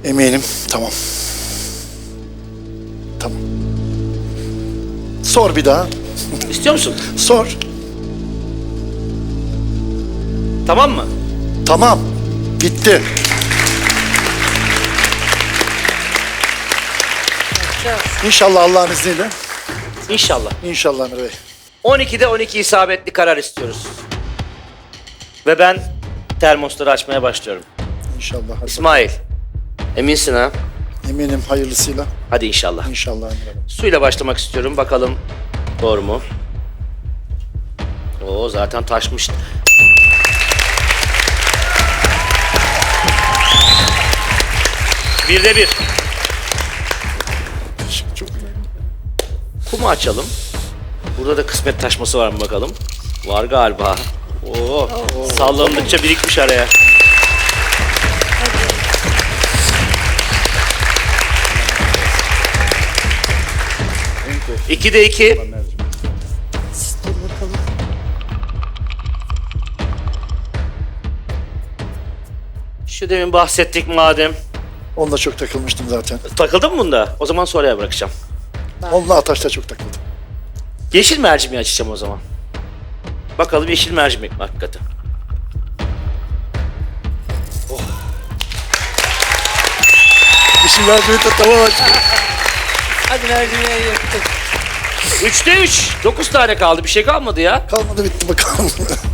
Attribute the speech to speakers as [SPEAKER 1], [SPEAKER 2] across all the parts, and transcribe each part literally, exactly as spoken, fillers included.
[SPEAKER 1] Eminim. Tamam. Tamam. Sor bir daha.
[SPEAKER 2] İstiyor musun?
[SPEAKER 1] Sor.
[SPEAKER 2] Tamam mı?
[SPEAKER 1] Tamam. Bitti. İnşallah Allah'ın izniyle.
[SPEAKER 2] İnşallah.
[SPEAKER 1] İnşallah Emre Bey.
[SPEAKER 2] on ikide on iki isabetli karar istiyoruz. Ve ben termosları açmaya başlıyorum.
[SPEAKER 1] İnşallah. Hadi
[SPEAKER 2] İsmail, eminsin ha?
[SPEAKER 1] bakalım. Eminim hayırlısıyla.
[SPEAKER 2] Hadi inşallah.
[SPEAKER 1] İnşallah Emre Bey.
[SPEAKER 2] Suyla başlamak istiyorum. Bakalım doğru mu? Oo zaten taşmış. Birde bir.
[SPEAKER 1] Çok önemli.
[SPEAKER 2] Kumu açalım. Burada da kısmet taşması var mı bakalım? Var galiba. Oo, sallandıkça birikmiş araya. İkide iki.
[SPEAKER 3] Dur bakalım.
[SPEAKER 2] Şu demin bahsettik madem.
[SPEAKER 1] Onunla çok takılmıştım zaten.
[SPEAKER 2] Takıldın mı bunda? O zaman sonraya bırakacağım.
[SPEAKER 1] Onunla Ataş'ta çok takıldım.
[SPEAKER 2] Yeşil mercimeği açacağım o zaman. Bakalım yeşil mercimek mi hakikaten?
[SPEAKER 1] Bir şey vermeyi de tamam açtım.
[SPEAKER 3] Hadi mercimeği yaptık.
[SPEAKER 2] Üçte üç. Dokuz tane kaldı. Bir şey kalmadı ya.
[SPEAKER 1] Kalmadı bitti bakalım.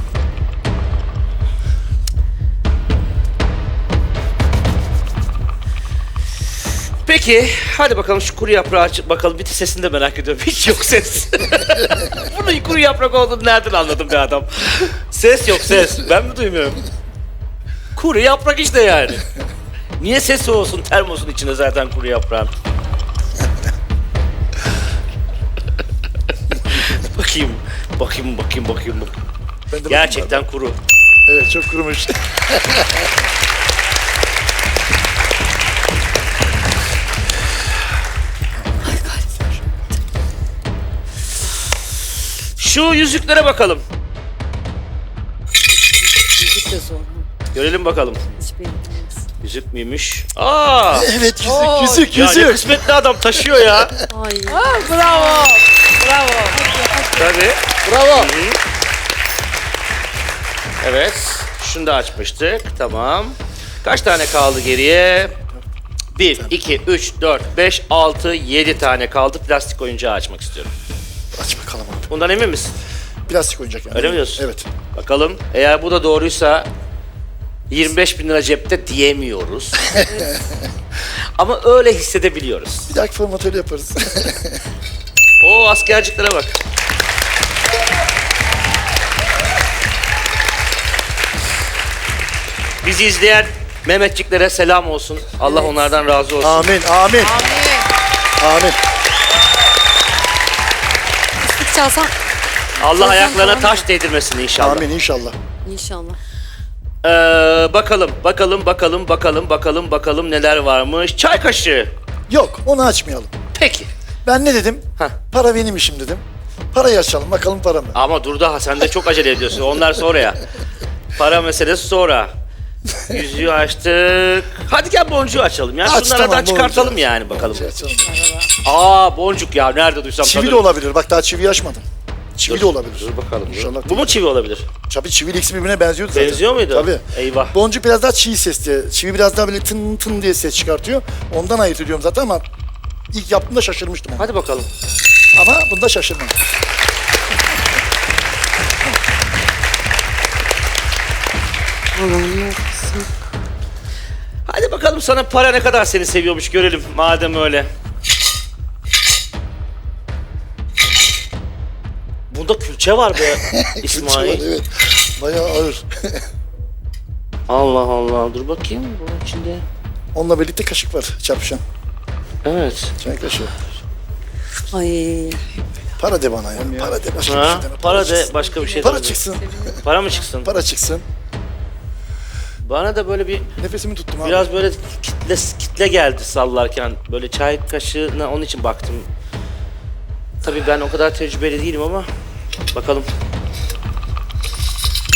[SPEAKER 2] Peki. Hadi bakalım şu kuru yaprağı aç. Bakalım bir sesini de merak ediyorum. Hiç yok ses. Bunun kuru yaprak olduğunu nereden anladım be adam? Ses yok ses. Ben mi duymuyorum? Kuru yaprak işte yani. Niye sesi olsun termosun içinde zaten kuru yaprağın? Bakayım. Bakayım, bakayım, bakayım, bakayım.
[SPEAKER 1] Ben de
[SPEAKER 2] Gerçekten kuru.
[SPEAKER 1] bakayım. Evet çok kurumuş.
[SPEAKER 2] Şu yüzüklere bakalım.
[SPEAKER 3] Müzik de zor.
[SPEAKER 2] Görelim bakalım.
[SPEAKER 3] Hiç bilmiyoruz.
[SPEAKER 2] Yüzük müymüş? Aa!
[SPEAKER 1] Evet yüzük
[SPEAKER 3] Oo,
[SPEAKER 1] yüzük
[SPEAKER 2] Ya ne
[SPEAKER 1] yüzük.
[SPEAKER 2] kısmetli adam taşıyor ya.
[SPEAKER 3] Ay. Aa, bravo. Bravo.
[SPEAKER 2] Tabii.
[SPEAKER 1] Bravo.
[SPEAKER 2] Evet. Şunu da açmıştık. Tamam. Kaç tane kaldı geriye? bir, iki, üç, dört, beş, altı, yedi tane kaldı. Plastik oyuncağı açmak istiyorum.
[SPEAKER 1] Aç bakalım abi.
[SPEAKER 2] Bundan emin misin?
[SPEAKER 1] Plastik oyuncak yani.
[SPEAKER 2] Öyle mi diyorsun?
[SPEAKER 1] Evet.
[SPEAKER 2] Bakalım. Eğer bu da doğruysa yirmi beş bin lira cepte diyemiyoruz. Ama öyle hissedebiliyoruz.
[SPEAKER 1] Bir dahaki formatörü yaparız.
[SPEAKER 2] Oo askerciklere bak. Bizi izleyen Mehmetçiklere selam olsun. Allah onlardan razı olsun.
[SPEAKER 1] Amin amin.
[SPEAKER 3] Amin.
[SPEAKER 1] Amin.
[SPEAKER 3] Fıstık çalsam.
[SPEAKER 2] Allah
[SPEAKER 3] Sözden
[SPEAKER 2] ayaklarına
[SPEAKER 3] falan
[SPEAKER 2] taş değdirmesin inşallah.
[SPEAKER 1] Amin inşallah.
[SPEAKER 3] İnşallah.
[SPEAKER 2] Ee, bakalım, bakalım, bakalım, bakalım, bakalım, bakalım neler varmış. Çay kaşığı.
[SPEAKER 1] Yok onu açmayalım.
[SPEAKER 2] Peki.
[SPEAKER 1] Ben ne dedim?
[SPEAKER 2] Heh.
[SPEAKER 1] Para benim işim dedim. Parayı açalım bakalım para mı?
[SPEAKER 2] Ama dur daha sen de çok acele ediyorsun. Onlar sonra ya. Para meselesi sonra. Yüzüğü açtık. Hadi gel boncuğu açalım ya.
[SPEAKER 1] Aç,
[SPEAKER 2] Şunlardan
[SPEAKER 1] tamam,
[SPEAKER 2] çıkartalım
[SPEAKER 1] boncuğu.
[SPEAKER 2] yani bakalım.
[SPEAKER 1] Şey açalım.
[SPEAKER 2] Aa boncuk ya nerede duysam
[SPEAKER 1] Çivi de
[SPEAKER 2] tanırım.
[SPEAKER 1] olabilir. Bak daha çiviyi açmadım. Çivi
[SPEAKER 2] Dur,
[SPEAKER 1] de olabilir.
[SPEAKER 2] Dur bakalım. dur.
[SPEAKER 1] İnşallah.
[SPEAKER 2] Bu mu çivi olabilir?
[SPEAKER 1] Tabii çivi ikisi birbirine benziyordu zaten.
[SPEAKER 2] Benziyor muydu?
[SPEAKER 1] Tabii.
[SPEAKER 2] Eyvah.
[SPEAKER 1] Boncuk biraz daha çiğ ses diye. Çivi biraz daha böyle tın tın diye ses çıkartıyor. Ondan ayırt ediyorum zaten ama ilk yaptığımda şaşırmıştım. Ama,
[SPEAKER 2] Hadi bakalım.
[SPEAKER 1] ama bunda şaşırmadım.
[SPEAKER 3] Allah'ım olsun.
[SPEAKER 2] Hadi bakalım sana para ne kadar seni seviyormuş görelim madem öyle. Bunda külçe var be İsmail.
[SPEAKER 1] Evet. Bayağı ağır.
[SPEAKER 2] Allah Allah dur bakayım bunun içinde.
[SPEAKER 1] Onunla birlikte kaşık var çarpışan.
[SPEAKER 2] Evet.
[SPEAKER 1] Çay kaşığı.
[SPEAKER 3] Ay.
[SPEAKER 1] Para de bana ya. Para de başka bir
[SPEAKER 2] Ha,
[SPEAKER 1] şey deme.
[SPEAKER 2] para de
[SPEAKER 1] çıksın.
[SPEAKER 2] başka bir şey
[SPEAKER 1] Para
[SPEAKER 2] deme.
[SPEAKER 1] çıksın.
[SPEAKER 2] Para mı çıksın?
[SPEAKER 1] Para çıksın.
[SPEAKER 2] Bana da böyle bir
[SPEAKER 1] Nefesimi tuttum abi.
[SPEAKER 2] biraz böyle kitle kitle geldi sallarken. Böyle çay kaşığına onun için baktım. Tabii ben o kadar tecrübeli değilim ama bakalım.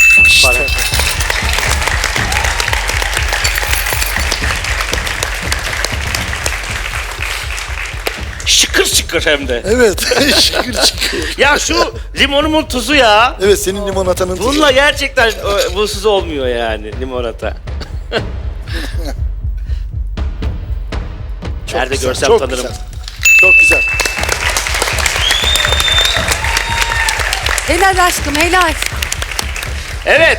[SPEAKER 2] Para. Şıkır şıkır hem de.
[SPEAKER 1] Evet. Şıkır şıkır.
[SPEAKER 2] Ya şu limonumun tuzu ya.
[SPEAKER 1] Evet senin limonatanın tuzu.
[SPEAKER 2] Bununla gerçekten e, buzsuz olmuyor yani limonata.
[SPEAKER 1] Çok
[SPEAKER 2] Nerede
[SPEAKER 1] güzel,
[SPEAKER 2] görsem
[SPEAKER 1] çok
[SPEAKER 2] tanırım.
[SPEAKER 1] Güzel. Çok güzel.
[SPEAKER 3] Helal aşkım helal.
[SPEAKER 2] Evet.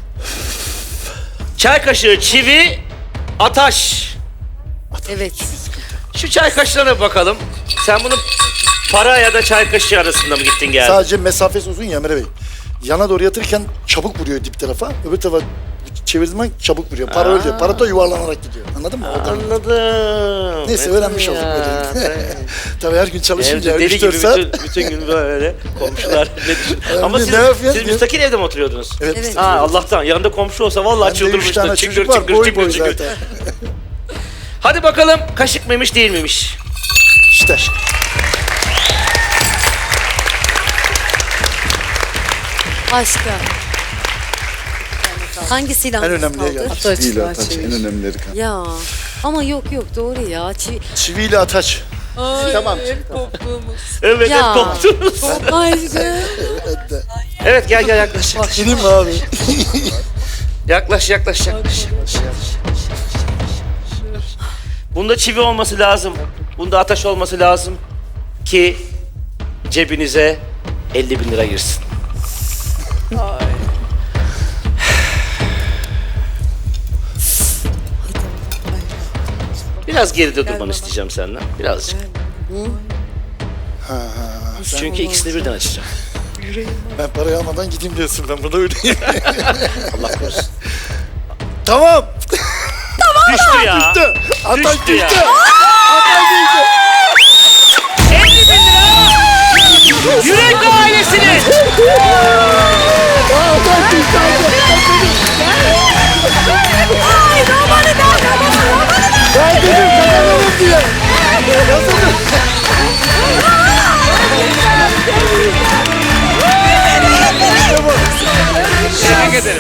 [SPEAKER 2] Çay kaşığı çivi, ataş.
[SPEAKER 3] Evet.
[SPEAKER 2] Şu çay kaşığına bakalım. Sen bunu para ya da çay kaşığı arasında mı gittin geldin?
[SPEAKER 1] Sadece mesafesi uzun ya Emre Bey. Yana doğru yatırırken çabuk vuruyor dip tarafa. Öbür tarafa çevirdiğin zaman çabuk vuruyor. Para öyle diyor. Para da yuvarlanarak gidiyor. Anladın mı? Oradan.
[SPEAKER 2] Anladım.
[SPEAKER 1] Neyse
[SPEAKER 2] Metin
[SPEAKER 1] öğrenmiş olduk
[SPEAKER 2] ya.
[SPEAKER 1] böyle. Tabii her gün çalışınca
[SPEAKER 2] Evde deli
[SPEAKER 1] üç dört
[SPEAKER 2] gibi
[SPEAKER 1] saat.
[SPEAKER 2] bütün, bütün gün böyle komşular ne düşün. Ama
[SPEAKER 1] ne
[SPEAKER 2] siz,
[SPEAKER 1] yapıyorsun
[SPEAKER 2] siz
[SPEAKER 1] diye.
[SPEAKER 2] müstakil evde mi oturuyordunuz?
[SPEAKER 1] Evet.
[SPEAKER 3] Evet.
[SPEAKER 2] Ha Allah'tan yanında komşu olsa vallahi
[SPEAKER 1] Bende üç
[SPEAKER 2] çıldırmıştı.
[SPEAKER 1] tane
[SPEAKER 2] Çıngır
[SPEAKER 1] çocuk var.
[SPEAKER 2] çıngır
[SPEAKER 1] Boy
[SPEAKER 2] çıngır
[SPEAKER 1] boy
[SPEAKER 2] çıngır.
[SPEAKER 1] zaten.
[SPEAKER 2] Hadi bakalım kaşık mıymış değil miymiş?
[SPEAKER 1] İşte.
[SPEAKER 3] Aşkım. Hangisiyle
[SPEAKER 1] En
[SPEAKER 3] hangisi
[SPEAKER 1] önemliye
[SPEAKER 3] kaldı?
[SPEAKER 1] geldik.
[SPEAKER 4] Değil ataç en önemlileri kan.
[SPEAKER 3] Ya ama yok yok doğru ya. Çi...
[SPEAKER 1] Çiviyle ataç.
[SPEAKER 4] Tamam.
[SPEAKER 2] Evet
[SPEAKER 3] Ya.
[SPEAKER 2] hep koptunuz.
[SPEAKER 3] Aşkım.
[SPEAKER 2] Evet gel gel yaklaş. Yaklaş
[SPEAKER 1] Gideyim mi abi?
[SPEAKER 2] yaklaş yaklaş. yaklaş. Bunda çivi olması lazım. Bunda ataş olması lazım. Ki cebinize elli bin lira girsin. Biraz geride durmanı isteyeceğim senden. Birazcık. Çünkü ikisini birden açacağım.
[SPEAKER 1] Ben parayı almadan gideyim diyorsun. Ben burada öyleyim.
[SPEAKER 2] Allah korusun.
[SPEAKER 1] Tamam.
[SPEAKER 2] Düştü ya.
[SPEAKER 1] Düştü. Ataç
[SPEAKER 2] Düştü ya.
[SPEAKER 1] düştü. Ataç düştü.
[SPEAKER 2] elli bin lira. Yürek ailesinin.
[SPEAKER 1] Ataç düştü. Ben dedim kazanalım diye. Kazanın. İşte bu.
[SPEAKER 2] Tebrik ederim.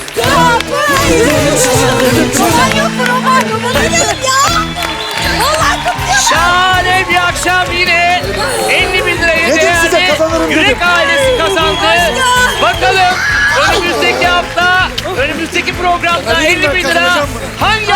[SPEAKER 2] Şahane bir akşam yine elli bin liraya
[SPEAKER 1] Dedim size
[SPEAKER 2] değerli
[SPEAKER 1] kazanırım
[SPEAKER 2] Yürek
[SPEAKER 1] dedim.
[SPEAKER 2] ailesi kazandı. Bakalım önümüzdeki hafta, önümüzdeki programda
[SPEAKER 1] Hadi
[SPEAKER 2] elli bin lira
[SPEAKER 1] kazanacağım bunu.
[SPEAKER 2] hangi